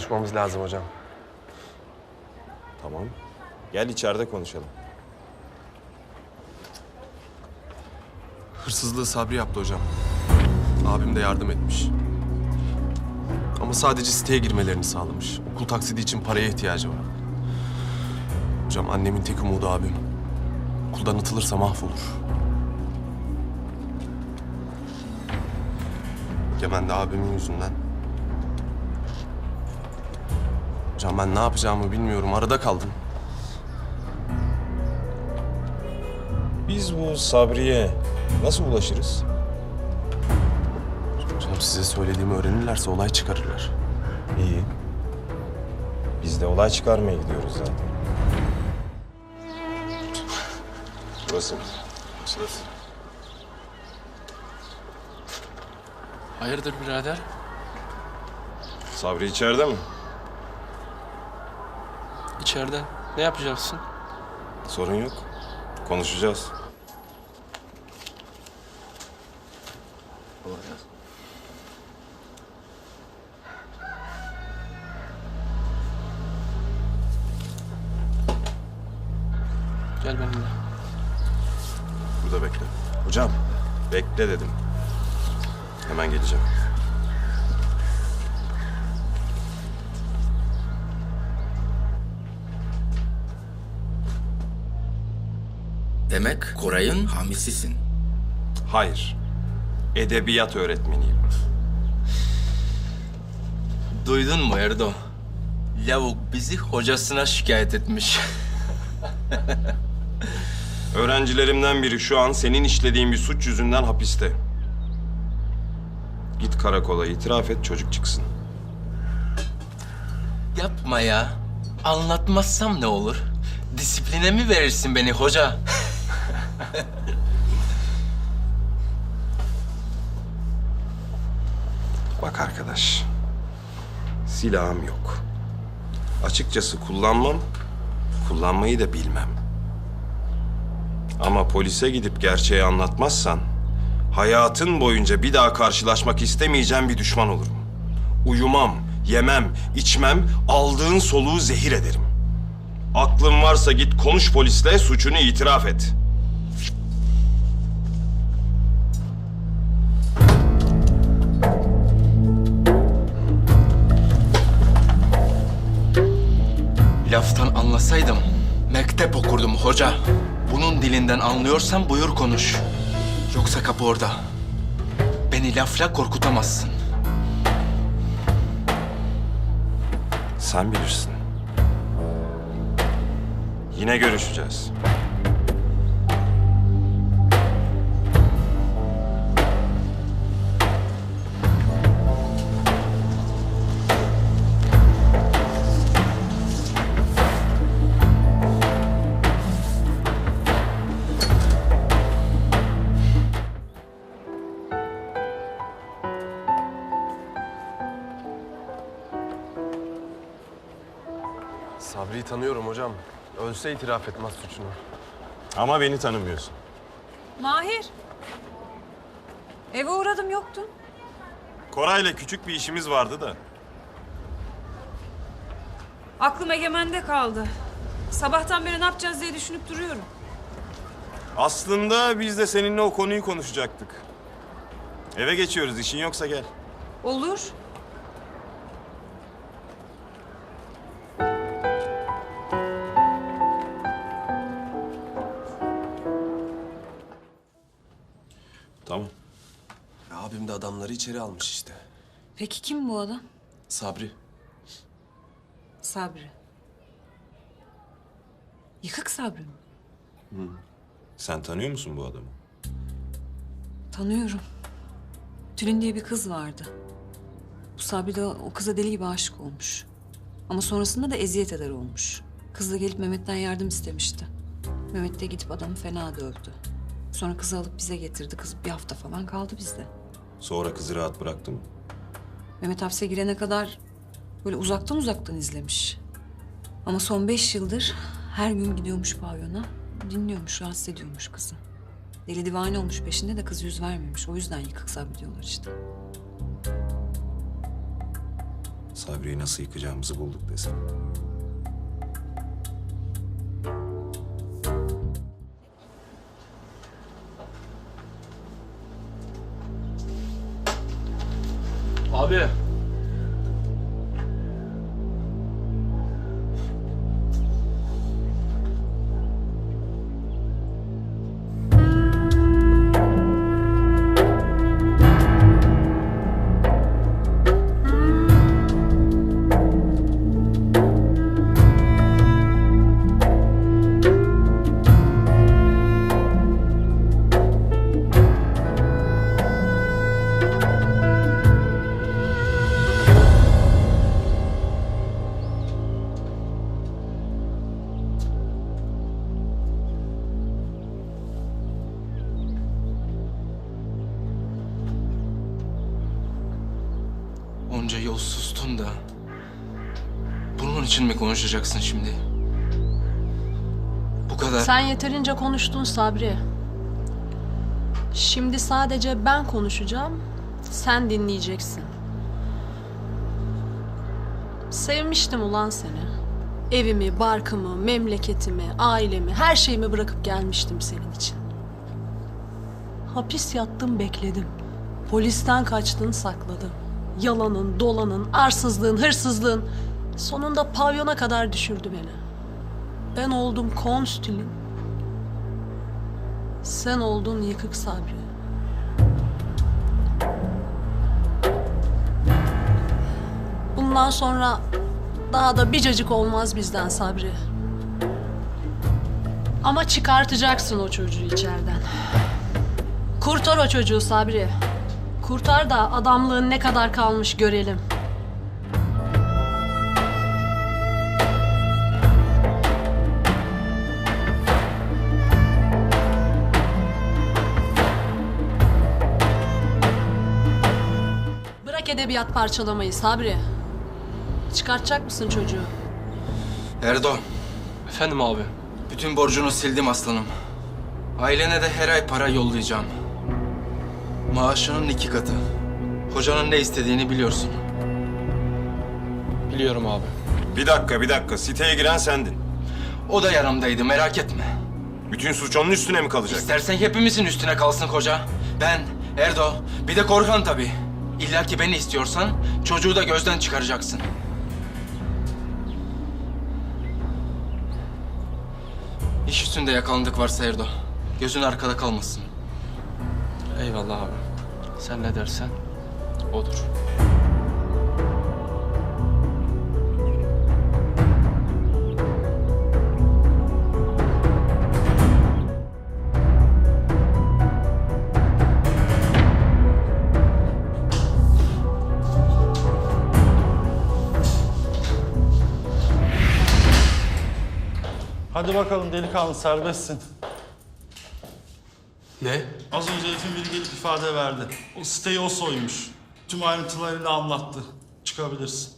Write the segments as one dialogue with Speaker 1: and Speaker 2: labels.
Speaker 1: konuşmamız lazım hocam.
Speaker 2: Tamam. Gel içeride konuşalım.
Speaker 1: Hırsızlığı Sabri yaptı hocam. Abim de yardım etmiş. Ama sadece siteye girmelerini sağlamış. Okul taksidi için paraya ihtiyacı var. Hocam annemin tek umudu abim. Okuldan atılırsa mahvolur. Egemen de abimin yüzünden. Hocam ben ne yapacağımı bilmiyorum. Arada kaldım.
Speaker 2: Biz bu Sabri'ye nasıl ulaşırız?
Speaker 1: Hocam size söylediğimi öğrenirlerse olay çıkarırlar.
Speaker 2: İyi. Biz de olay çıkarmaya gidiyoruz zaten. Burası mı?
Speaker 1: Sırası.
Speaker 3: Hayırdır birader?
Speaker 2: Sabri içeride mi?
Speaker 3: İçeride. Ne yapacaksın?
Speaker 2: Sorun yok. Konuşacağız.
Speaker 3: Gel benimle.
Speaker 2: Burada bekle. Hocam, bekle dedim. Hemen geleceğim.
Speaker 4: Demek Koray'ın hamisisin.
Speaker 2: Hayır. Edebiyat öğretmeniyim.
Speaker 4: Duydun mu Erdo? Lavuk bizi hocasına şikayet etmiş.
Speaker 2: Öğrencilerimden biri şu an senin işlediğin bir suç yüzünden hapiste. Git karakola itiraf et, çocuk çıksın.
Speaker 4: Yapma ya. Anlatmazsam ne olur? Disipline mi verirsin beni hoca?
Speaker 2: Bak arkadaş, silahım yok. Açıkçası kullanmam, kullanmayı da bilmem. Ama polise gidip gerçeği anlatmazsan, hayatın boyunca bir daha karşılaşmak istemeyeceğim bir düşman olurum. Uyumam, yemem, içmem, aldığın soluğu zehir ederim. Aklın varsa git konuş polisle, suçunu itiraf et.
Speaker 4: Laftan anlasaydım mektep okurdum hoca. Bunun dilinden anlıyorsan buyur konuş. Yoksa kapı orada. Beni lafla korkutamazsın.
Speaker 2: Sen bilirsin. Yine görüşeceğiz.
Speaker 1: Sabri'yi tanıyorum hocam. Ölse itiraf etmez suçunu.
Speaker 2: Ama beni tanımıyorsun.
Speaker 5: Mahir. Eve uğradım yoktun.
Speaker 2: Koray'la küçük bir işimiz vardı da.
Speaker 5: Aklım Egemen'de kaldı. Sabahtan beri ne yapacağız diye düşünüp duruyorum.
Speaker 2: Aslında biz de seninle o konuyu konuşacaktık. Eve geçiyoruz, işin yoksa gel.
Speaker 5: Olur.
Speaker 2: Tamam.
Speaker 1: Abim de adamları içeri almış işte.
Speaker 5: Peki kim bu adam?
Speaker 1: Sabri.
Speaker 5: Sabri. Yıkık Sabri mi?
Speaker 2: Sen tanıyor musun bu adamı?
Speaker 5: Tanıyorum. Tülin diye bir kız vardı. Bu Sabri de o kıza deli gibi aşık olmuş. Ama sonrasında da eziyet eder olmuş. Kız da gelip Mehmet'ten yardım istemişti. Mehmet de gidip adamı fena dövdü. Sonra kızı alıp bize getirdi. Kız bir hafta falan kaldı bizde.
Speaker 2: Sonra kızı rahat bıraktı mı?
Speaker 5: Mehmet hapse girene kadar böyle uzaktan izlemiş. Ama son 5 yıldır her gün gidiyormuş pavyona. Dinliyormuş, rahatsız ediyormuş kızı. Deli divane olmuş peşinde de kız yüz vermemiş. O yüzden yıkık Sabri diyorlar işte.
Speaker 2: Sabri'yi nasıl yıkacağımızı bulduk desem.
Speaker 3: Abi.
Speaker 4: Onca yol sustun da bunun için mi konuşacaksın şimdi? Bu kadar.
Speaker 6: Sen yeterince konuştun Sabri. Şimdi sadece ben konuşacağım, sen dinleyeceksin. Sevmiştim ulan seni. Evimi, barkımı, memleketimi, ailemi, her şeyimi bırakıp gelmiştim senin için. Hapis yattım, bekledim. Polisten kaçtın, sakladın. Yalanın, dolanın, arsızlığın, hırsızlığın sonunda pavyona kadar düşürdü beni. Ben oldum konstilin. Sen oldun yıkık Sabri. Bundan sonra daha da bir cacık olmaz bizden Sabri. Ama çıkartacaksın o çocuğu içeriden. Kurtar o çocuğu Sabri. Kurtar da adamlığın ne kadar kalmış görelim. Bırak edebiyat parçalamayı Sabri. Çıkartacak mısın çocuğu?
Speaker 4: Erdo,
Speaker 3: Efendim abi.
Speaker 4: bütün borcunu sildim aslanım. Ailene de her ay para yollayacağım. Maaşının 2 katı. Hocanın ne istediğini biliyorsun.
Speaker 3: Biliyorum abi.
Speaker 2: Bir dakika. Siteye giren sendin.
Speaker 4: O da yanımdaydı, merak etme.
Speaker 2: Bütün suç onun üstüne mi kalacak?
Speaker 4: İstersen hepimizin üstüne kalsın koca. Ben, Erdo, bir de Korhan tabii. İlla ki beni istiyorsan çocuğu da gözden çıkaracaksın. İş üstünde yakalandık varsa Erdo. Gözün arkada kalmasın.
Speaker 3: Eyvallah abi. Sen ne dersen odur.
Speaker 7: Hadi bakalım delikanlı, serbestsin.
Speaker 3: Ne?
Speaker 7: Az önce herifin biri gelip ifade verdi. O siteyi o soymuş. Tüm ayrıntılarıyla anlattı. Çıkabilirsin.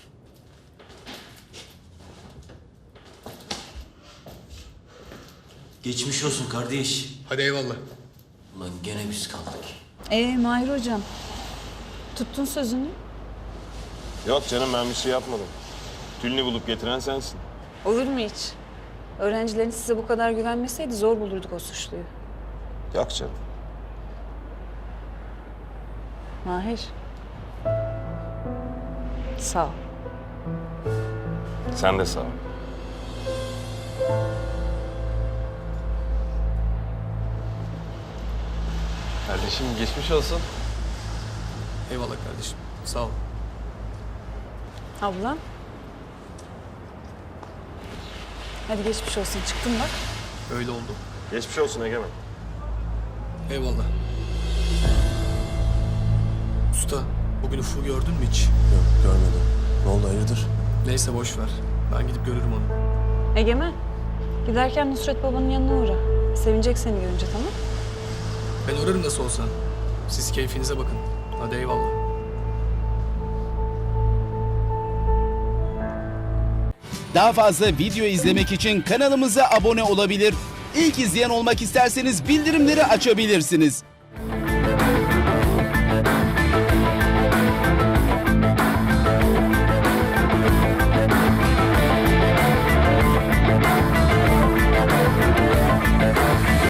Speaker 8: Geçmiş olsun kardeş.
Speaker 3: Hadi eyvallah.
Speaker 8: Ulan gene biz kaldık.
Speaker 5: Mahir hocam, tuttun sözünü.
Speaker 2: Yok canım, ben bir şey yapmadım. Tülünü bulup getiren sensin.
Speaker 5: Olur mu hiç? Öğrencilerin size bu kadar güvenmeseydi zor bulurduk o suçluyu.
Speaker 2: Yok canım.
Speaker 5: Mahir. Sağ ol.
Speaker 2: Sen de sağ ol.
Speaker 1: Kardeşim geçmiş olsun.
Speaker 3: Eyvallah kardeşim. Sağ ol.
Speaker 5: Abla. Hadi geçmiş olsun. Çıktın bak.
Speaker 3: Öyle oldu.
Speaker 2: Geçmiş olsun Egemen.
Speaker 3: Eyvallah. Usta, bugün Ufuk'u gördün mü hiç?
Speaker 1: Yok görmedim. Ne oldu hayırdır?
Speaker 3: Neyse boş ver. Ben gidip görürüm onu.
Speaker 5: Egemen. Giderken Nusret babanın yanına uğra. Sevinecek seni görünce, tamam?
Speaker 3: Ben uğrarım nasıl olsa. Siz keyfinize bakın. Hadi eyvallah.
Speaker 9: Daha fazla video izlemek için kanalımıza abone olabilir. İlk izleyen olmak isterseniz bildirimleri açabilirsiniz.